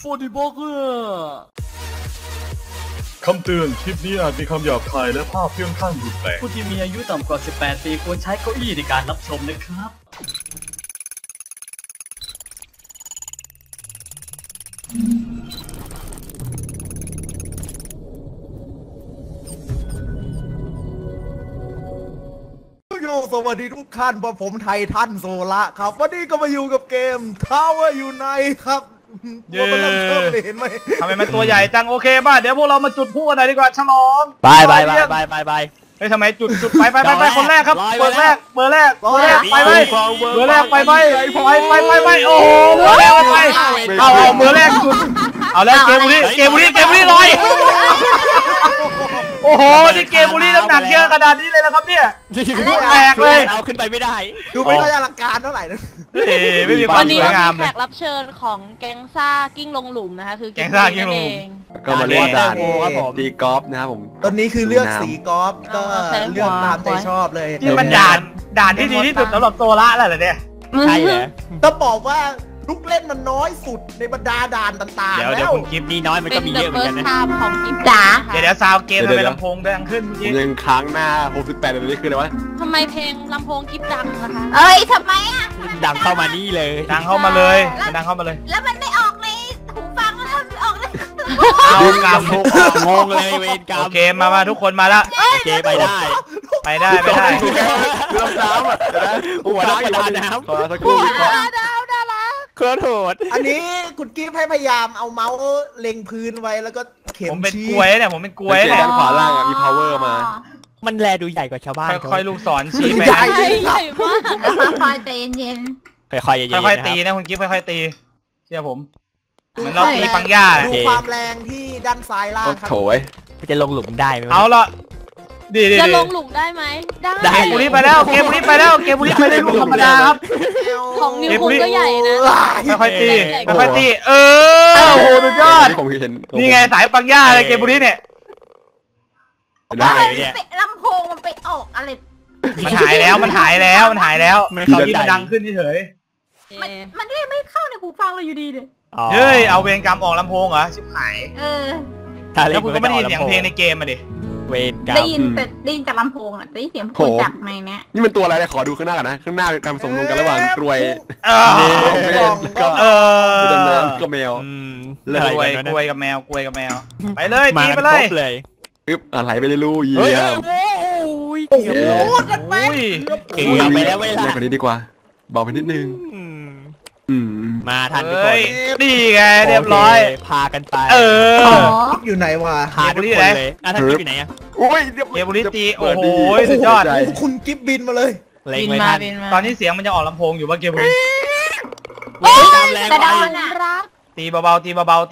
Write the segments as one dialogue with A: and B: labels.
A: 40 บล็อกเกอร์
B: คำเตือนคลิปนี้อาจมีคำหยาบคายและภาพที่ค่อนข้างรุนแรง
A: ผู้ที่มีอายุต่ำกว่า 18 ปีควรใช้เก้าอี้ในการรับชมนะครับ
C: สวัสดีทุกท่านผมไททันโซละครับวันนี้ก็มาอยู่กับเกม Tower Unite ครับตัวมันเริ่มเทิมเลยเห็นไหม
D: ทำไมมันตัวใหญ่จังโอเคป่ะเดี๋ยวพวกเรามาจุดพลุกันหน่อยดีกว่าฉลอง
E: ไปเ
D: ฮ้ยทำไมจุดไปคนแรกครับเบอร์แรกไปไหมเบอร์แรกไปไหมโอ้โหเบอร์แรกไปเอาเบอร์แรกจุดเอาแล้วเกมบุรีลอยโอ้โหนี่เกมบุรีน้ำหนักเยอะขนาดนี้เลยนะครับเนี่ยแตกเลย
E: เอาขึ้นไปไม่ได้
C: ดูไม่ค่อยอลังการเท่าไหร่นะ
D: ไม่มีความสวยงามเลย
F: วันนี้แขกรับเชิญของแก๊งซ่ากิ้งลงหลุมนะคะคือ
D: แก๊งซ่ากิ้งลงหลุม
E: ก็มาเล่นด่านตีกอล์ฟนะครับผม
C: ตอนนี้คือเลือกสีกอล์ฟก็เลือกตามใจชอบเลย
D: นี่มันด่านที่ดีที่สุดสำหรับโซล่าแล้วเหรอเนี่ย
E: ใช่เหรอ
C: ต้องบอกว่าลูกเล่นมันน้อยสุดในบรรดาด่านต่างๆ
D: เดี๋ยวคุณกิฟต์
E: นี่น้อยมันก็มีเยอะเหมือนกันนะ
F: ของกิฟต์จ๋า
D: เดี๋ยวซาวเกมทำไมลำโพงดังขึ้น
E: ผมยังค้างหน้า68แบบนี้คืออะไรวะ
F: ทำไมเพลงลำโพงกิฟต์ดังนะคะเอ้ยทำไมอ่ะ
E: ดังเข้ามานี่เลย
D: ดังเข้ามาเลย
F: แล้วมันไม่ออกในหูฟังแล้วมันไม่ออกเลย
D: เอากำ
E: งงเลยเวรกรรม
D: โอเคมาทุกคนมาแล้ว
E: โอเคไปได้
D: เ
E: รื่องน้ำอ่ะหัวน้ำน้ำขอสักครู่เครื่องโหด
C: อันนี้คุณกิฟต์ให้พยายามเอาเมาส์เล็งพื้นไว้แล้วก็เข็ม
D: ผมเป็นกล้วยเนี่ย
E: ด้านขวาล่างมี power มามันแลดูใหญ่กว่าชาวบ้าน
D: ค่อยลูกศรชี้ไป
F: ใหญ่มากค่อยใจเย็น
E: ค่อย
D: ตีนะคุณกิฟต์ค่อยตีเชื่อผมเหมือนเราตีปังย่า
C: ดูความแรงที่ด้านซ้ายล่างครับ
E: โถยจะลงหลุมได้ไหม
D: เอาละ
F: จะลงหลุมได้ไหม
D: ได้เกมบุรีไปแล้วเกมบุรีไปได้ลูกธรรมดาครับ
F: ของนิวคุงก็ใหญ่นะ
D: ค่อยตีโอ้โหสุดยอดนี่ไงสายปังย่าเลยเกมบุรีเนี่ย
F: ได้เนี่ยลำโพงมันไปออกอะไร
D: มันหายแล้วตอนนี้มันดังขึ้นเฉย
F: มันไม่เข้าในหูฟังเราอยู่ดีเลย
D: เฮ้ยเอาเวรกรรมออกลำโพงเหรอชิบหายแล้วคุณก็ไม่ได้ยินเสียงเพลงในเกมมาดิ
E: เวรกรรม
F: ได้ยินจากลำโพงอ่ะได้ยินเสียงพูดจากในเนี้ย
E: นี่มันตัวอะไรเนี่ยขอดูข้างหน้ากันนะข้างหน้าการสมดุลกันระหว่างกรวยก็แมว
D: กล้วยกับแมวไปเลยตีไปเลย
E: ปึ๊บอะไรไปเลยลูกยี่ยม
C: โอ้โหกันไป
E: เก่งไปแล้วเวลาเล่นกว่านี้ดีกว่าบอกไปนิดนึงมาทันทุกคน
D: นี่ไงเรียบร้อย
E: พากันไป
C: อยู่ไหนวะ
E: พาทุกคนเลยท่านกิฟต์อยู่ไหนอ่ะ
C: โอ้ย
D: เกมบุรีตีโอ้โหสุดยอด
C: คุณกิฟต์บินมาเลย
F: บินมา
D: ตอนนี้เสียงมันจะออกลำโพงอยู่ว่าเกมบุรี
F: แต่ดาวรัก
D: ตีเบาคุณ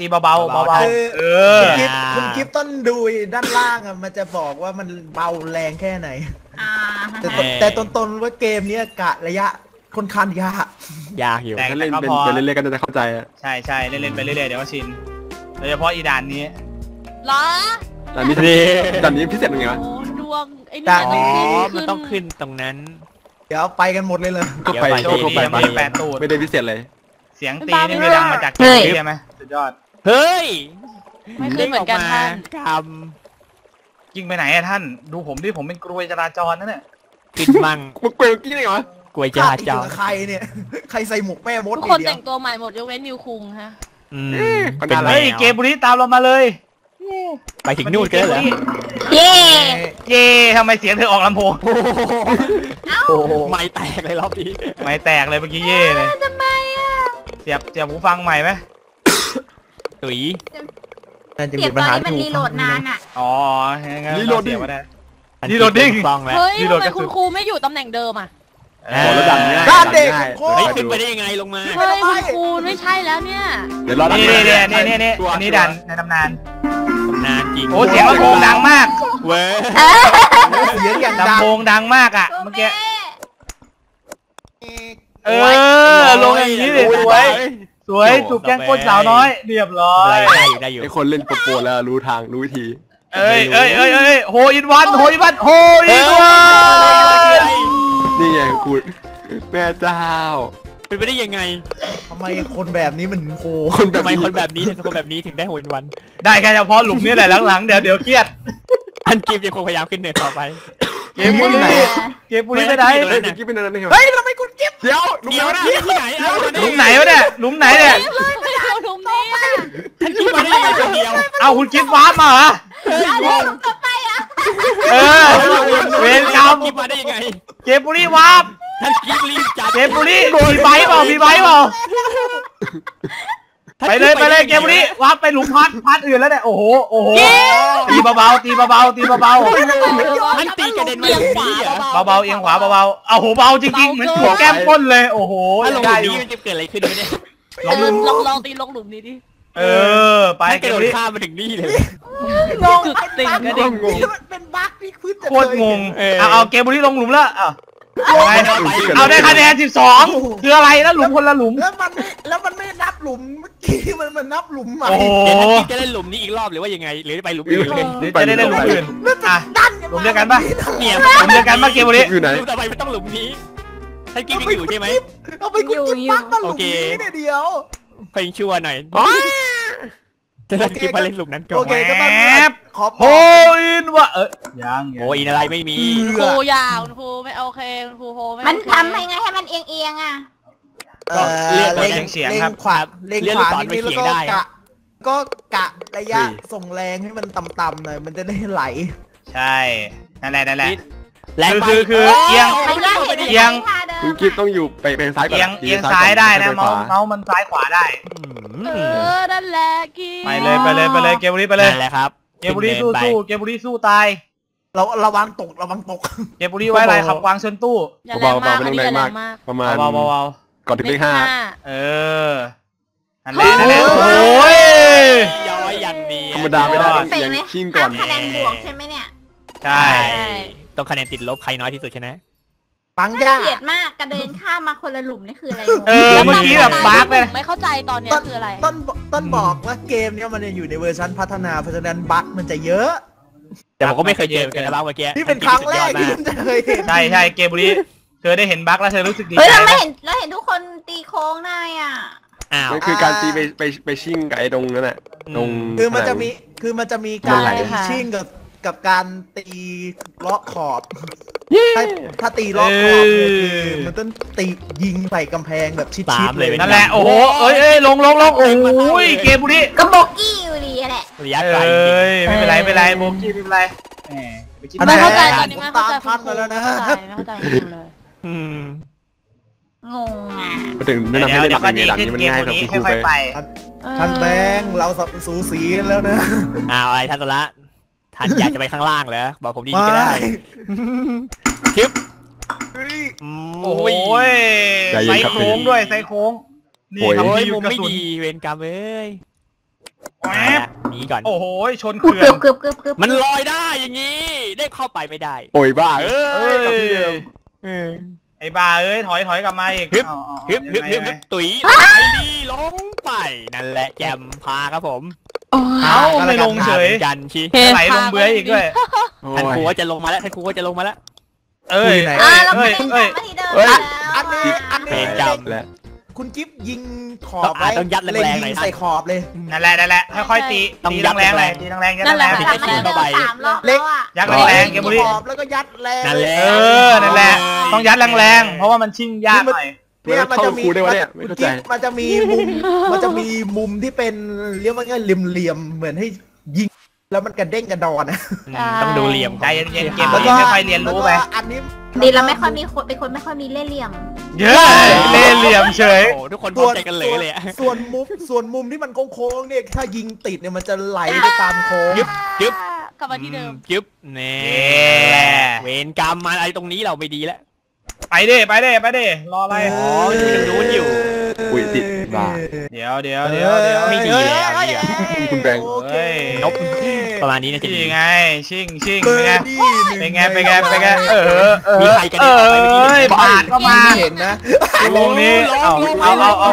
C: กิฟต์ต้นดูด้านล่างอ่ะมันจะบอกว่ามันเบาแรงแค่ไหนแต่ต้นว่าเกมนี้กะระยะค่อนข้างย
E: ากอยู่ถ้าเล่นเป็นเล่นๆกันจะเข้าใจอ่ะ
D: ใช่เล่นไปเรื่อยๆเดี๋ยวก็ชินโดยเฉพาะอีด่านนี้
F: เหรอ
E: ด่านนี้พิเศษยังไงวะ
F: ดวงไอ้
E: นี่มันต้องขึ้นตรงนั้น
C: เดี๋ยวไปกันหมดเลย
E: ก็ไปไม่ได้พิเศษเลย
D: เสียงตีนี่ไม่ดังมาจากเกมใช่ไหมสุดยอด
E: เฮ้ย
F: ไม่ขึ้นเหมือนกันท่าน
D: ยิงไปไหนอะท่านดูผมดิผมเป็นกรวยจราจรนั่นแหละ
E: กินมั่งกรวยกี่ไหนวะกวยจราจร
C: ใครเนี่ยใครใส่หมวกแม่มด
F: ทุกคนแต่งตัวใหม่หมดยกเว้นนิวคุงฮะ
D: เฮ้ยเกมบุรีตามเรามาเลย
E: ไปถึงนู่นกันเหรอ
F: เย่
D: ทำไมเสียงเธอออกลำโพง
E: โอ้ไม่แตกเลยรอบนี้
D: ไม่แตกเลยเมื่อกี้เย่เลย
F: ทำไมอ่ะ
D: เสียบหูฟังใหม่ไหม
E: ตุ๋ย
F: เสียบตอนนี้มันรีโหลดนานอ่ะ
D: อ๋อ
E: รีโหลดดิ้ง
F: เฮ้ยทำไมคุณครูไม่อยู่ตำแหน่งเดิมอ่ะ
E: แล้วดันง่าย
C: ด้านเด็ก
E: ขึ้นไปได้ยังไงลงมา
F: เฮ้ยคุณครูไม่ใช่แล้วเนี่ย
E: เดี๋ยวรอ
D: นี่อันนี้ดันในตำนาน
E: จริง
D: โอ้เสียงลำโพงดังมาก
E: เว้ย
C: เสียงอย่าง
D: ลำโพงดังมากอ่ะเมื่อกี้ลงอย่างนี้เลยสวยจุกแก้งก้นสาวน้อยเรียบร้อย
E: ได้อยู่ไอคนเล่นโปรแล้วรู้ทางรู้วิธี
D: โฮอินวัน
E: นี่ไงกูแม่เจ้าเป็นไปได้ยังไง
C: ทำไมคนแบบนี้มันโห
E: ทำไมคนแบบนี้ถึงได้โหนวัน
D: ได้แค่เฉพาะหลุมนี่แหละหลังๆเดี๋ยวเครียด
E: อันกิฟยังคงพยายามขึ้นเนินต่อไป
D: เกมบุรีไม่ได้
E: กิฟเป็นอะไรนี่
C: เฮ้ยทำไมคุณกิ๊บ
E: เดี๋ยวนะที่ไหน
D: หลุมไหนวะเนี่ยหลุมไหนเนี่ย
F: ไม่เอาหลุมนี้อ่ะ
E: ท่านกิฟมาได้ยังไงคนเดียว
D: เอาคุณกิฟต์วาร์ปมาเหรอ
F: เอาหลุมต่อไปอ่ะ
D: เออเวรกรรม
E: กิฟมาได้ยังไง
D: เกมบุรีวาร์ป
E: ท่านกิฟรีบจัด
D: เกมบุรีมีไบค์เปล่าไปเลยเกมบุรีวาร์ปไปหลุมพัดอื่นแล้วเนี่ยโอ้โหตีเบาๆ
E: ท่านตีกระเด็นมาอย่างนี้เหรอ
D: เบาๆเอียงขวาเบาๆเอาโหเบาจริงๆเหมือนถูกแก้มก้นเลยโอ้โห
E: ถ้าลงห
D: ได้
E: ลุม
D: อยู่
E: นี้มันจะเกิดอะไรขึ้นเนี่ย
F: ลองตีลงหลุมนี้ดิ
D: ไป
E: ท่าน
D: เก
E: กระ
D: ม
E: โด
D: บุ
E: ด
D: รี
E: ข้ามมาถึงนี่เลย
C: งง
F: ติ่งกระดิ่ง
C: มันเป็นบั๊กที่พื้น
D: โคตรงงเอาเกมบุรีลงหลุมแล้วเอาได้คะแนน12คืออะไรแล้วหลุมคนละหลุม
C: แล้วมันไม่นับหลุมเมื่อกี้มันนับหลุมใหม่
D: โอ้โห
E: เดี๋ยวท่านกิฟจะเล่นหลุมนี้อีกรอบหรือว่ายังไงหรือไปหลุมอื่นเลย
D: หรือจะได้หลุมอื่นอ่ะ
C: ดัน
D: หลุมเดียวกันปะ
E: เนี่ย
D: หลุมเดียวกันปะเกมบุรี
E: หลุมต่อไปไม่ต้องหลุมนี้ท่านกิฟยังอยู่ใช่ไหม
C: เอาไปคุณกิ๊บบั๊กมาหลุมนี้เนี่ยเดียว
E: เพลงชั่วหน่อยจะท่านกิฟมาเล่นหลุมนั้นก่อ
C: โอน เคก็ต้องขอ
D: โฮอินวะยัง
E: โอ้ยอะไรไม่มี
F: ครูยาวครูไม่โอเคครูโฮไม่มันทำยังไงให้มันเอียงอ่ะ
C: เล่งขวานิดนี้แล้วก็กะระยะส่งแรงให้มันต่ำๆหน่อยมันจะได้ไหล
D: ใช่นั่นแหละ
E: แรงไป
D: คือเอียง
G: คุณกิ๊บต้องอยู่ไปซ้ายก่อน
D: เอียงซ้ายได้นะเมาส์มันซ้ายขวาได้
F: นั่นแหละกี้
D: ไปเลยเกมบุรีไปเลย
E: นั่นแหละครับ
D: เกมบุรีสู้เกมบุรีสู้ตาย
C: เราระวังตก
D: เกมบุรีไว้อะไรขับวางเชิญตู้
F: อย่าแรงมากไม่ต้องแรงมาก
G: ประมาณ
D: เบา
G: ก่อนถึงเลข
D: นั่นแหละโอ้ย
E: ย้อยยันดี
G: 5ธรรมดาไม่ได้ยังชิ่งก่อน
F: คะแนนบวกใช่ไหมเนี่ย
D: ใช่
E: ต้องคะแนนติดลบใครน้อยที่สุดชนะ
C: ปัง
F: เก
C: ย่า
F: ลียดมากกระเด็นข้ามมาคนละหลุมนี่คืออะไร
D: เมื่อกี้แบบบาร์กเลย
F: ไม่เข้าใจตอนนี้คืออะไร
C: ต้นบอกว่าเกมนี้มันยังอยู่ในเวอร์ชันพัฒนาเพราะฉะนั้นบั๊กมันจะเยอะ
E: แต่ผมก็ไม่เคยเจอกันแล้วเมื่อกี้
C: นี่เป็นครั้งแรกที่ผมจะเคยเห็น
D: ใช่เกมบุรีเธอได้เห็นบั๊กแล้วเธอรู้สึกดี
F: เฮ้ย
D: ใจ
F: เราเห็นทุกคนตีโค้งได้อ่ะ
E: อ้าว
G: นั่นคือการตีไปชิ่งกับไอ้ตรงนั้นแหละตรง
C: คือมันจะมีการตีชิ่งกับการตีล็อกขอบถ้าตีล็อกขอบมันต้องตียิงใส่กำแพงแบบชิดๆเลย
D: นั่นแหละโอ้โหลงโอ้ยเกมบุรี
F: ก็บอกกี้อยู่ดีแหละ
E: ระยะไกล
D: ไม่เป็นไรโบกี้ไม่เป็นไร
F: ไม่เข้าใจตอนนี้ไม่เข้าใจ
C: ทันมาแล้วนะ
F: ไม่เข้าใจเลย งงอ่ะ
G: มาถึงแนะนำให้เล่นแบบนี้ด่านนี้มันง่ายกับคุณครูไป
C: ท่านแบงค์เราสูสีกันแล้วนะ
E: อ้าวอะไรท่านตัวละท่านอยากจะไปข้างล่างเหรอบอกผมดีก็ได้คลิป
D: โอ้ยไซโค้งด้วยไซโค้งนี่ครับ
E: โอ้ย
D: ที่
E: มุม
D: กระ
E: ไม่
D: สุน
E: ดีเวรกรรมเอ้ย
D: แหม
E: หนีก่อน
D: โอ้โหชนเขื่อน
F: เกือบ
E: มันลอยได้อย่างนี้ได้เข้าไปไม่ได้
G: โอ้ยบ้า
D: ไอ้บ้าถอยกลับมาอีก
E: ฮึบตุ๋ยไปดีลงไปนั่นแหละแจมพาครับผม
D: เอาไม่ลงเฉย
E: กันชี
D: ไหลลงเบื้อยอีกด้วย
E: ท่านครูก็จะลงมาแล้วท่านครูก็จะลงมาแล้ว
F: เราไม่ได้มาที่เดิมแล้ว
C: อันนี้
E: เพลงจำ
G: และ
C: คุณกิฟยิงขอบไว้
E: ต้องยัดแรงๆหน่อย
C: ยิงใส่ขอบเลย
D: นั่นแหละค่อยๆตีแรงเลยตีแรงยัด
F: นั่นแห
D: แร
F: ละ
D: ง
F: กลับมาที่เดิม3 รอบแล้วอ่ะ
D: ยัดแรงเกมบุรี
C: ขอบแล้วก็ยัดแรง
E: นั่นแหละ
D: นั่นแหละต้องยัดแรงเพราะว่ามันชิ่งยากหน่อย
C: เนี่ยมันจะมี
G: ครูได้วะเนี่ยไม่เข้าใจ
C: มันจะมีมุมที่เป็นเรียกว่าไงเหลี่ยมๆเหมือนให้ยิงแล้วมันกระเด้งกระดอนนะ
E: ต้องดูเหลี่ยม
D: ใจเย็นๆเกมบุรีค่อยๆเรียนรู้ไป
C: อันนี้
F: ดีเราไม่ค่อยมีคนเป็นคนไม่ค่อยมีเล่ห์เหลี่ยม
D: เยอะเล่เหลี่ยมเฉย
E: โอ้ทุกคนพร้อมใจกันเลยเลย
C: ส่วนมุมที่มันโค้งๆเนี่ยถ้ายิงติดเนี่ยมันจะไหลไปตามโค้ง
F: กลับมาที่เดิม
E: จึ๊บเน่เวรกรรมมาอะไรตรงนี้เราไม่ดีแล้ว
D: ไปดิรออะไร
E: อ๋ออยู่ตรงนู้นอยู่
G: อุ้ยติดบ้า
D: เดี๋ยว
E: ไม่ดีแล้วเนี่ย
G: คุณแบงค์
D: เฮ้ย
E: นกประมาณนี้นะจะดี
D: นี่ไงชิ่งเป็นไง
E: มีใครกันเนี่ยไปเมื่อกี้
D: บาดก็มา
C: เห็นนะ
D: วงนี้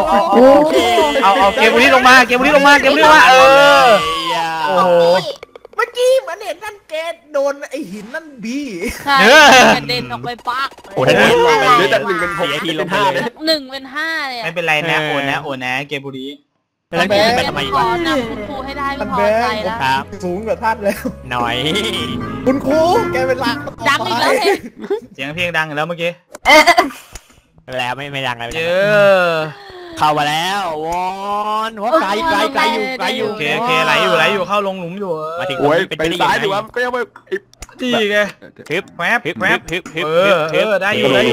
D: เอาเกมบุรีลงมาโอ้โห
C: มื่อกี้เหมือนเห็นนั่นเกตโดนไอหินนั่นบี
F: ใช่กระเด็นออกไปปัก
E: โอ้ถ้าเกิดลงไป
G: เดี๋ยวจาก1 เป็น 6
E: ทีลงไป
G: 5
E: เลย
F: 1 เป็น 5เลย
D: ไม่เป็นไรนะโอนนะเกมบุรี
E: แล้วกูขึ้นไปทำไม
F: พ
E: วะ
F: อนำคุณครูให้ได้ก็
C: มัน
F: พอ
C: แบ
F: ใจ
C: ง
F: แล้ว
E: ครับ
C: สูงกว่าท่านแล้ว
E: หน่อย
C: คุณครูแกเป็นหลัก
F: ดังอีกแล้วเอง
D: เสียงเพลงดังแล้วเมื่อกี้
E: แล้วไม่ดังอะไร
D: เย
E: ไม่
D: อ
E: ดัง
D: ะ
E: เข้ามาแล้ววอนหัวไกลอยู่
D: โอเคไหลอยู่เข้าลงหลุมอยู่
E: มาถึง
G: โอ้ย
E: เป็น
G: ไปซ้ายหรือว่าก็ยังไม่
D: ดีไง
E: ฮึบ
D: แวบ
E: ฮึบ
D: แวบ
E: ฮึบฮึบ
D: ได้อยู่ก็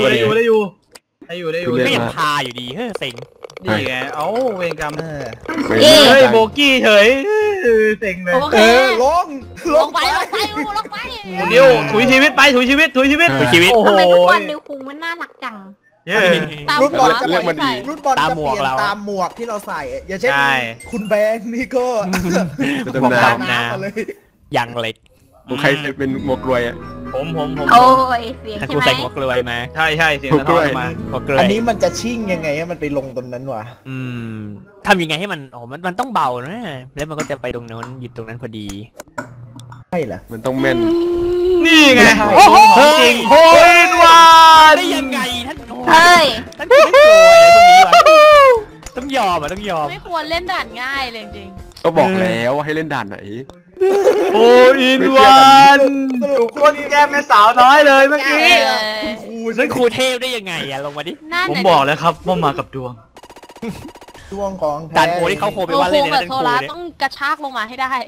E: ยังพาอยู่ดีเซ็ง
D: ดีไงเอ้าเวรกรรม
G: ไม่
D: เฮ้ยโบกี้เฉยเซ็งเลย
F: โอเค
C: ลง
F: ลงไปลงไปลงไป
D: นิวถุยชีวิตไปถุยชีวิต
E: ชีวิต
D: โอ้โห
F: ทำไมทุกวันนิวคุงมันน่ารักจัง
D: เย้
F: ตาม
C: รุ่น
F: หั
C: บอ
F: ว
C: ลจะ
F: สวยใส่
C: รุ่นบอลจะเปลี่ยนตามหมวกที่เราใส่อย่างเช่นคุณแบงค์นี่ก็
G: จะดำน้
C: ตามน้ำมาเลย
E: ยังเล็ก
G: ำใครเป็นหมวกรวยอ่ะ
D: ผม
F: โอ้ยเสียง
E: ถ้า
F: ใช่
E: กู
F: ไหม
E: ใส่หัวกลวยมา
D: ใช่เสียงสะท้อนมา
E: หัวกลว
C: อัน
E: ย
C: นี้มันจะชิ่งยังไงให้มันไปลงตรงนั้นวะ
E: ทำยังไงให้มันมันต้องเบานะแล้วมันก็จะไปตรงนั้นหยุดตรงนั้นพอดี
C: ใช่เหรอ
G: มันต้องแม่น
D: นี่ไง
E: โอ้โห
D: จริงโฮยวัน
E: ได้ยังไงท่าน
F: เฮ้ย
E: ท่านไม่กลัวอะไรพวกนี้วะต้องยอม
F: ไม่ควรเล่นด่านง่ายเลยจริง
G: ก็บอกแล้วว่าให้เล่นด่านไหน
D: โฮอินวันคนแก้มเป็นสาวน้อยเลยเมื่อกี้
E: นั่นครูเทพได้ยังไงอะลงมาดิ
D: ผมบอกแล้วครับว่ามากับดวง
C: ช่วงของแท้
E: ด่านโคที่เขาโคไป
F: โอ้
E: ว่า
F: โห
E: เล่นใน
F: แบบ
E: นั้น
F: โซ
E: ครู
F: ล่า
E: เนี่ย
F: ต้องกระชากลงมาให้ได้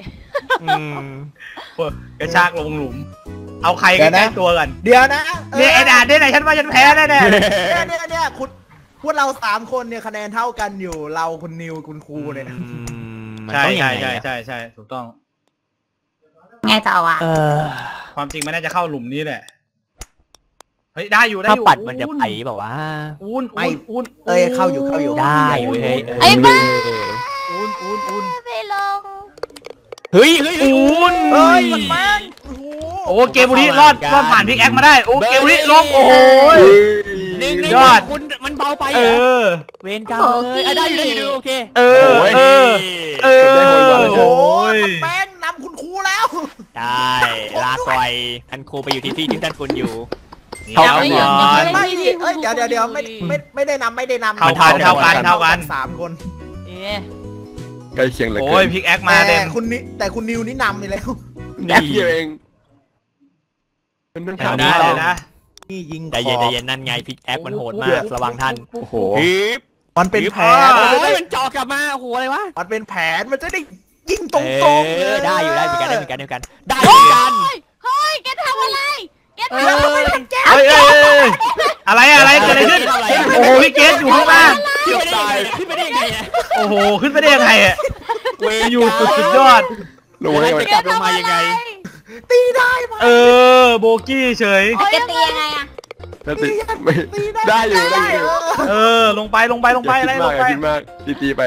D: กระชากลงหลุม เอาใครใกล้ตัวกัน
C: เดี๋ยวนะ
D: เนี่ยไอ้ด่านเนี่ยไหนฉันว่าฉันแพ้แน่
C: เนี่ยคุณพวกเรา3 คนเนี่ยคะแนนเท่ากันอยู่เราคุณนิวคุณครูเนี่ย
D: ใช่ถูกต้อง
F: ไงต่อวะ
D: ความจริงมันน่าจะเข้าหลุมนี้แหละ เฮ้ยได้อยู่
E: ถ้าปัดมันจะไปแบบว่า
D: อุ่น
C: เข้าอยู่
E: ได้เว้ย
F: ไอ้บ้า
D: อุ่น
F: ไปลง
E: เฮ้ย
D: อุ่น
C: เฮ้ยมันแม่ง
D: โอ้เกมบุรีรอดผ่านพิกแอคมาได้โอ้เกมบุรีลงโอ้โห
E: ยอดคุณมันเบาไปเวนกรรมเลยได้อยู่โอเค
D: โอ้ย
C: แม่งนำคุณครูแล้ว
E: ได้ลาก่อยท่านครูไปอยู่ที่ที่ท่านคุณอยู่
D: เท่ากันก่อน
C: ไม่ดิเอ้ยเดี๋ยวไม่ได้นำ
D: เท่ากัน
C: 3 คน
G: ใกล้เคียงเหลย
D: โอ้ยพิกแอคมาเต็ม
C: แต่คุณนิวนี่นำไปแล้ว
G: แป๊บเดียวเองเป็นเรื่อง
D: ได้เลยนะ
C: นี่ยิง
E: ใจเย็นนั่นไงพิกแอคมันโหดมากระวังท่าน
G: โอ้โห
C: มันเป็นแผน
E: มันจ่อกลับมาโอ้โหอะไรวะ
C: มันเป็นแผนมันจะได้ยิงตรงๆ
E: ได้อยู่ได้เหมือนกันได้เหมือนกันได้
F: เฮ้ยแกทำอะไรแกทำอะไรแก
D: เฮ้ยอะไรเกิดอะไรขึ้นโอ้โหพี่เกสอยู่ข้างล่าง
E: ขึ้นไปได้ยังไง
D: โอ้โหขึ้นไปได้ยังไงอ่ะอยู่สุดยอด
G: ลงไว้
E: จะกลับลงมายังไง
C: ตีได้ไหม
D: โบกี้เฉย
F: แกตียังไงอะ
G: ได้อยู่
D: ลงไปอะไรลงไป
G: คิดมากตีไป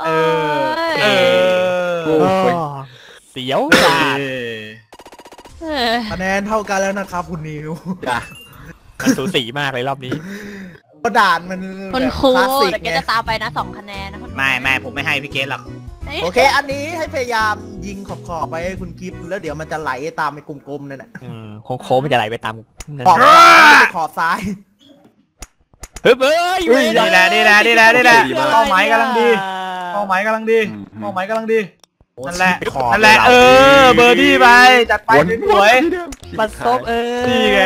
E: เสียว
C: คะแนนเท่ากันแล้วนะครับคุณนิว
E: มันสูสีมากเลยรอบนี้
C: ก็ด่านมัน
F: คุณครู
C: คลาสสิก
F: แต่แก
C: ไง
F: จะตามไปนะ2 คะแนนนะ
D: ไม่ผมไม่ให้พี่เกสหรอก
C: โอเค อันนี้ให้พยายามยิงขอบไปให้คุณกิฟต์แล้วเดี๋ยวมันจะไหลตามไปกลมๆนั่นแหละ
E: โค้งมันจะไหลไปตาม
C: ขอบซ้าย
E: เฮ้ย
D: นี่แหละเป้าหมายกำลังดีนั่นแหละเบอร์ดี้ไปจัดไปสวย
E: ปัดซบ
D: นี่ไง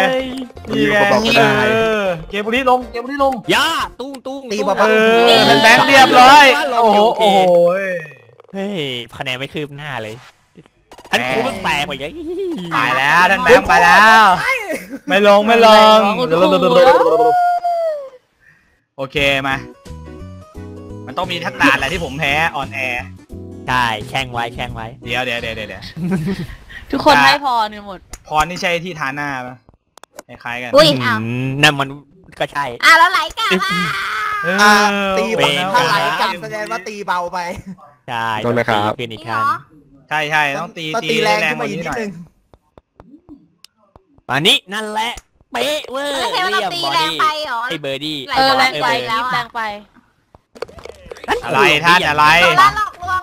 D: เกมบุรีลง
E: ย่าตุ้ง
C: ตีเบา
D: เป็นแบงค์เรียบร้อยโอ้โห
E: เฮ้ยคะแนนไม่คืบหน้าเลยท่านครูมันแตกไปยัง
D: ไปแล้วท่านแบงค์ไปแล้วไม่ลงโอเคมามันต้องมีทักด่านอะไรที่ผมแพ้ออนแอร์
E: ใช่แข่งไว้
D: เดี๋ยว
F: ทุกคนให้พรกันหมด
D: พรนี่ใช่ที่ทาหน้าปะคล้ายกัน
F: อุ้ยอ้าว
E: นั่นมันก็ใช่
F: แล้วไหลกลับ
C: ตีเบาถ้าไหลกลับแสดงว่าตีเบาไป
E: ใช่
G: ต้องนะครับ
E: เป็นอีกครั้ง
D: ใช่ต้องตี
C: แรง
D: ก
C: ขึ้นมา
D: ว่า
C: อีก
D: นี้
C: นิ
D: ห
C: ด
D: น่อย
C: นึง
E: อันนี้นั่นแหละเป๊ะเว้ย
F: ไม่ใช่ว่าเราตีแรงไปหรอ
E: ไอ้เบอร์ดี้
F: แรงไปแล้วแรงไป
D: อะไรท่านอะไร
F: เราหลอกลวงเรา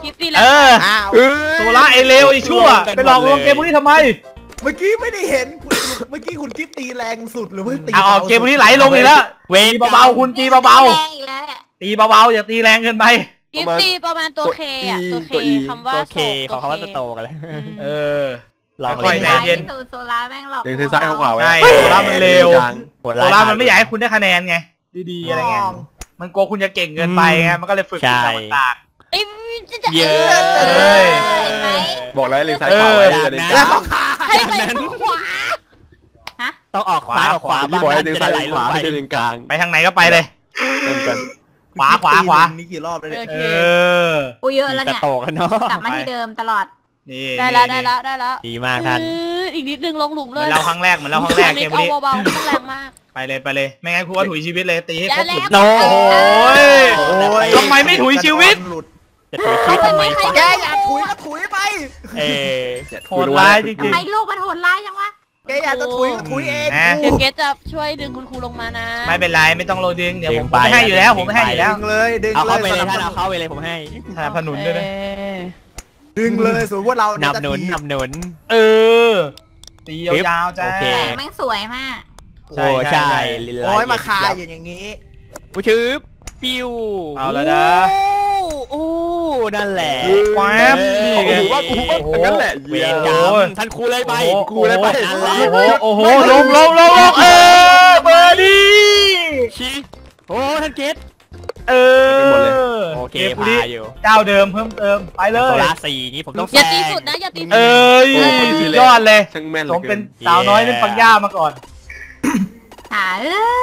F: คลิปตีแล้ว
C: อ้าว
D: โซล่าไอเลวไอชั่วไปหลอกลวงเกมพวกนี้ทำไม
C: เมื่อกี้ไม่ได้เห็นเมื่อกี้คุณกิ๊บตีแรงสุดหรือว่าตี
D: เอาเกมพวกนี้ไหลลงอีกแล้วตีเบาๆคุณตีเบา
F: แรงอีกแล้วเนี่ย
D: ๆตีเบาๆอย่าตีแรงเกินไป
F: คลิปตีประมาณตัวเคอะตัวเคคำว่า
E: โอเคของเขาว่าจะโตกันเลย ลอง
D: ค่อยๆใจเย็น
F: โซล่าแม่งหลอก
G: เด้งซ้ายขวาไว้
D: ใช่โซล่ามันเร็ว
E: โหด
D: โซล่ามันไม่อยากให้คุณได้คะแนนไงดีๆอะไรเงี้ยมันกลัวคุณจะเก่งเกินไปไงมันก็เลยฝึกต่าง
F: ไอ้จะ
E: เยอะ
F: เห็นไหม
G: บอกแล้วเล็งซ้ายขวาไว้จะได้
C: แล้วก็
F: ให้ไปขวาฮะ
E: ต้องออกซ้ายออกขวา
G: พี่บอกให้เล็งซ้ายขวาไม่ใช่เล็งกลาง
D: ๆไปทางไหนก็ไปเลย
G: เหมือนกัน
D: ขวา
C: นี่กี่รอบแล้วเนี่ย
F: โอเค
E: จะ
F: เยอะแล้วเนี่ย
E: โตกันเนาะ
F: กลับมาที่เดิมตลอด
D: นี่
F: ได้แล้ว
E: ดีมากท่าน
F: อีกนิดนึงลงหลุม
D: เห
F: เล
D: มือย นเราครั้งแรกเกม
F: เอา
D: นี้
F: เบาๆต้องแรงมาก
D: ไปเลยไม่งั้นครูว่าถุยชีวิตเลยตีให้ครบหลุม
F: โอ้
D: ทำไมไม่ถุยชีวิต
E: จะถือคลิปทำไม
C: แกอย่าถุยก็ถุยไป
D: โหดร้ายจริ
F: ทำ
D: ง
F: ไมลูกมันโหดร้ายจังวะ
C: แกอยากจะถุยก็ถุยเอง
F: เดี๋ยวเกสจะช่วยดึงคุณครูลงมานะ
D: ๆไม่เป็นไรไม่ต้องโรดึงเดี๋ยวผมไม่ให้อยู่แล้วผมไม่ให้อยู่แล้ว
C: ดึงเลยดึง
E: เอา
C: เล
E: เข้าย ไปเลยท่านเอาเข้าไปเลยผมให้
D: สนับสนุนด้วยนะ
C: ดึงเลยสมมติว่าเรา
E: นำหนุนนำหนุน
D: ตียาวๆจ้า
E: โอเค
F: แม่งสวยมาก
E: โอ้ใช่ลิล
C: โอ้ยมาคาอย่างนี้
E: ผู้ชืบปิ้ว
D: เอาแล้วนะ
E: โอ้นั่นแหละ
D: แว๊บนี่ไง
G: ว่างั้นแหละ
E: เวรกรรมท่านครูเลยไป
G: ครูเลยไป
D: โอ้โหลงเบอร์ดี้
E: ชี้โอ้ท่านเกต โอเค
D: เกม
E: พา
D: นี้
E: อยู่
D: เจ้าเดิมเพิ่มเติมไปเล
E: โซ
D: ย
E: ล่าสี่นี้ผมต้อง
F: อย่าตีสุดนะอย่าตีสุด
D: สุดยอดเลย
G: ช่างแม่น
D: ผมเป็นสาวน้อยเป็นปังย่ามาก่อน
F: หา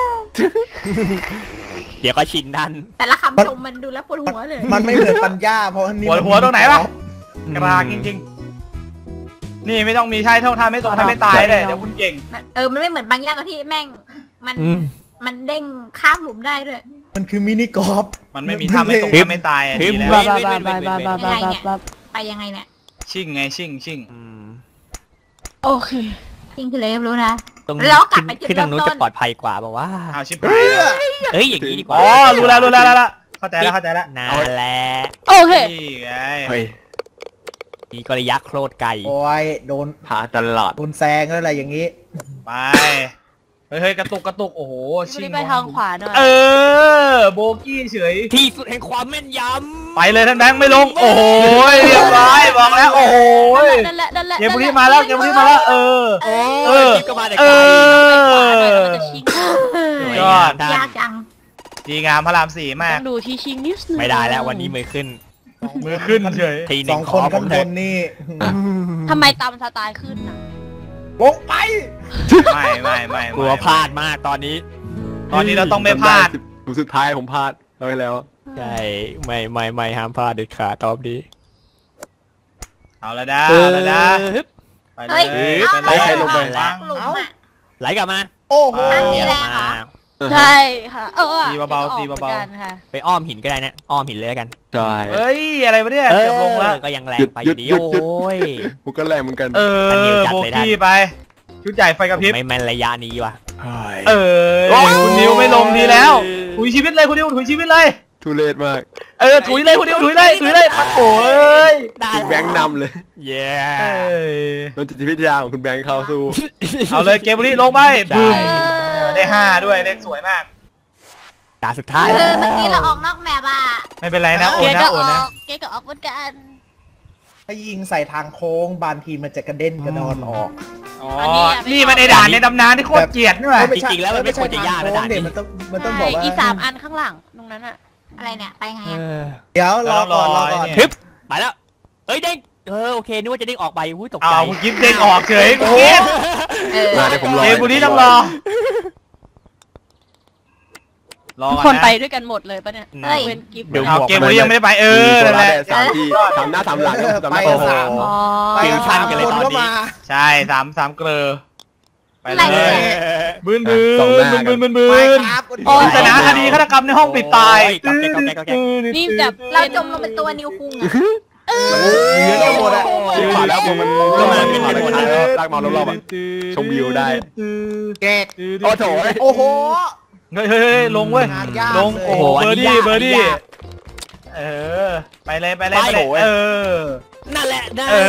E: เดี๋ยวก็ชินท่าน
F: แต่ละคำชมมันดูแล้วปวดหัวเลย
C: มันไม่เหมือนปัญญาเพราะนี่
D: หัวตรงไหนวะกลางจริงๆนี่ไม่ต้องมีใช่เท่าท่าไม่ตรงท่าไม่ตายเลยเดี๋ยวคุณเก่ง
F: มันไม่เหมือนบางอย่างที่แม่งมันเด้งข้ามหลุมได้ด้วย
C: มันคือมินิกอล์ฟ
D: มันไม่มีท่าไม่ตรงท่าไม่ตายดีแล้ว
F: ไปยังไงเนี่ย
D: ชิ่งไงชิ่ง
F: โอเคจริงคือเลยรู้นะ
E: ตรง
F: แล้วกลับไปจุด
E: ขึ้นทางนู้น
F: เริ่มต้น
E: จะปลอดภัยกว่าบอกว่า
D: เอาชิบหายแล้ว
E: เอ้ยอย่างนี้ดีกว่า
D: อ๋อรู้แล้วเข้าใจแล้ว
E: นั่นแหละ
F: โอเค
D: นี่ไง
G: เฮ้ย
E: มีกริยักษ์โคตรไก่
C: โอ้ยโดน
G: หาตลอด
C: โดนแซงแล้วอะไรอย่างนี้
D: ไปเฮ้ยกระตุกโอ้โห
F: ชิไปทางขวาหน่อย
D: โบกี้เฉย
E: ที่สุดแห่งความแม่นย
D: ไปเลยท่านแบงค์ไม่ลงโอ้โหเรียบร้อยบอกแล้วโอ้โห
F: นั่นแหละ
D: เกมบุรีมาแล้วจิ๊บก็มาแต่ไกลยอด
F: ยากจัง
D: ดีงามพระรามสี่มาก
F: ต้องดูที่ชิงนิดนึง
E: ไม่ได้แล้ววันนี้มือขึ้น
D: มือขึ้นเฉย
E: ทีห
C: ส
E: นึ่
C: อง ง
E: ข
C: ค
E: อน ผ
C: ข้าม ง
E: เถ
C: บ
E: อะ
C: นนี่
F: ทำไมตามสไตล์ขึ้นน่ะ
C: ลงไป
D: ไม่
E: กลัวพลาดมากตอนนี้
D: ตอนนี้เราต้องไม่พลาด
G: สุดท้ายผมพลาดเราไปแล้ว
E: ใช่ไม่ห้ามพลาดเด็ดขาดตอบดี
D: เอาละด้าไปเล
F: เฮ้ย
D: ย
F: เอา
G: ใครลงไป
F: หลุมอ่ะ
E: ไหลกลับมา
C: โอ้โห
F: นี่แหละ
E: มา
F: ใช่ค่ะตี
D: เบา
E: ไปอ้อมหินก็ได้นะอ้อมหินเลยกัน
G: ใช่
D: เฮ้ยอะไรวะเนี่ยเกือบลงแล้ว
E: ก็ยังแรงไปอยู่ดีโอ้ย
G: ผมก็แรงเหมือนกัน
D: โบกี้ไปชุดใหญ่ไฟกระพริบ
E: ไม่แม่นระยะนี้ว่ะ
D: คุณนิวไม่ลงดีแล้วถุยชีวิตเลยคุณนิวถุยชีวิตเลย
G: ทุเรศมาก
D: ถุยเลยคุณนิวถุยเลยโอ้ย
G: คุณแบงค์นำเลย
E: เย้
G: โดนจิตวิทยาของคุณแบงค์เข้าสู้
D: เอาเลยเกมบุรีลงไปบึ้มได้5ด้วยเลขสวยมาก
E: ตาสุดท้าย
F: เมื่อกี้เราออกนอกแมปอ่ะ
D: ไม่เป็นไรนะโอ
F: เก
D: นนะ
F: ก็
D: โอ
F: อน
D: นะ
F: อกเกก็ออกเหมือนกัน
C: ถ้ายิงใส่ทางโค้งบางทีมันจะกระเด็นกระดอนออก
D: นี่มันไอด่านในตำนานที่โคตรเกลียดนี่หว่า
E: จริงๆแล้วมันไม่ควรจะยากนะด่านนี้
C: มันต้องบอกว่า
F: อี3 อันข้างหลังตรงนั้นอะอะไรเนี่ยไปไง
C: เดี๋ยวรอก่อน
E: ทึบไปแล้วเอ้ยเด้งโอเคนึกว่าจะเด้งออกไปอุ้ยตกใจ
D: เอาคุณกิ๊บเด้งออกเฉยคุณ
F: เอ
D: กิ๊บ
G: มาเดี๋ยวผมรอ
D: เกมบุรีต้องรอ
F: คนไปด้วยกันหมดเลยปะเนี่ยเว้นกิฟต์
D: เอาเกมบุรียังไม่ได้ไปนั่นแหละ
G: สามที่ทำหน้าทำหลัง
C: ไป
G: โอ้โห
C: สาม
F: อ๋อ
C: ไปสามคนก็มา
D: ใช่3เกลือไปเลยบืน
C: ไปครับ
D: ปริศนาคดีฆาตกรรมในห้องปิดตาย
F: นี่แบบเราจมลงเป็นตัวนิวคุงอะ
C: เยอะหมดอ่ะ
G: ผ่านแล้วมันก็มาเป็นผ่านแล้วลากมารอบๆชมวิวได้
C: แกก
G: โอ้โห
C: โอ้โห
D: เฮ้ยลงเว้ยลงโอ้โหเบอร์ดี้ไปเลย
E: นั่นแหละ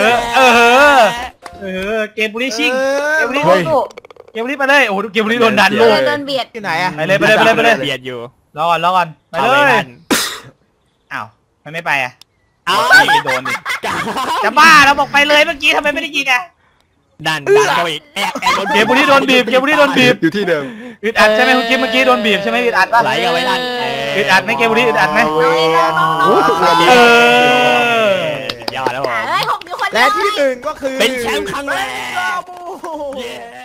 D: เกมบุรีชิงเกมบุรีไปเลยโอ้โหเกมบุรีโดนดันโลก
F: โดนเบียด
C: ที่ไหนอะ
D: ไปเลย
E: เบียดอยู่
D: รอก่อนไปเลยอ้าวมันไม่ไปอ่ะ
E: เอา
D: ไม่โดนดิจะบ้าเราบอกไปเลยเมื่อกี้ทำไมไม่ได้ยิงอ่ะ
E: ดันเข้าอีกแอบ
D: เกมบุรีโดนบีบ
G: อยู่ที่เดิม
D: อึดอัดใช่ไหมคุณกิ๊ฟเมื่อกี้โดนบีบใช่ไหมอึดอัดป่ะ
E: ไหลกันไว้ดัน
D: อึดอัดไหมเกมบุรีอึดอัดไหม
E: ยอดแล้วผม
F: 6 อยู่คนเดี
C: และ
F: ยว
C: ที่หนึ่งก็คือ
E: เป็นแชมป์ครั้งแรก
C: บราโว